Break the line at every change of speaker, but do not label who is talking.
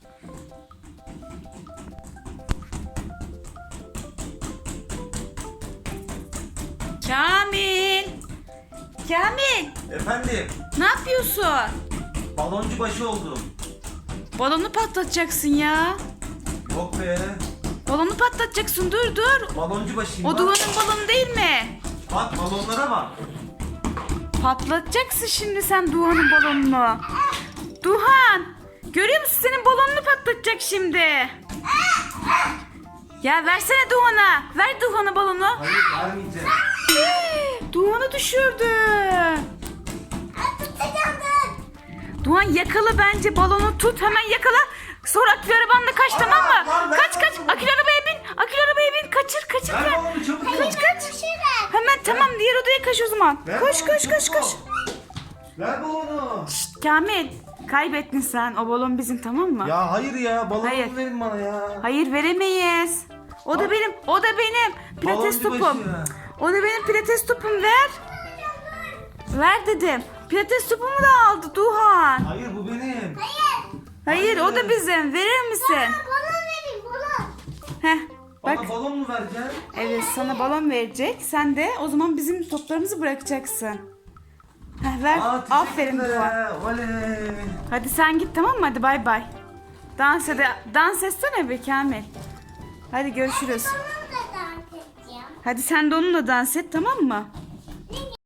Kamil! Kamil!
Efendim,
Ne yapıyorsun?
baloncu başı oldum.
Balonu patlatacaksın ya.
Yok be,
Balonu patlatacaksın, dur dur.
baloncu başıyım.
O
bak.
Duhan'ın balonu değil mi?
Bak balonlara bak.
Patlatacaksın şimdi sen Duhan'ın balonunu. Duhan! Görüyor musun, senin balonunu patlatacak şimdi. Ya versene Duhan'a. Ver Duhan'a balonu.
Hayır, vermeyeceğim.
Duhan'ı düşürdü. Duhan yakala bence, balonu tut, hemen yakala. Sonra akülü arabanla kaç, tamam mı?
lan, ver
Kaç
balonu.
akülü arabaya bin. Akülü arabaya bin, kaçır.
Ver balonu çabuk.
Kaç. Hemen tamam, diğer odaya kaç o zaman.
Ver
Koş
balonu, çabuk.
koş.
Ver balonu.
Şşt, Kamil, kaybettin sen. O balon bizim, tamam mı?
Ya hayır ya, balonu
Hayır.
verin bana ya.
Hayır, veremeyiz. O da benim. Pilates
Baloncu
topum.
başı.
O da benim pilates topum, ver. Ver dedim. Pilates topumu da aldı Duhan.
Hayır, bu benim.
Hayır, o da bizim. Verir misin?
Balon vereyim, balon.
Heh, bak.
Bana balon mu vereceksin?
Evet, sana balon verecek. Sen de o zaman bizim toplarımızı bırakacaksın. Heh, ver. Aferin Duhan.
Oley.
Hadi sen git, tamam mı? Hadi bay bay. Dans etsene be Kamil. Hadi görüşürüz.
Balonu da dans edeceğim.
Hadi sen de onunla dans et, tamam mı?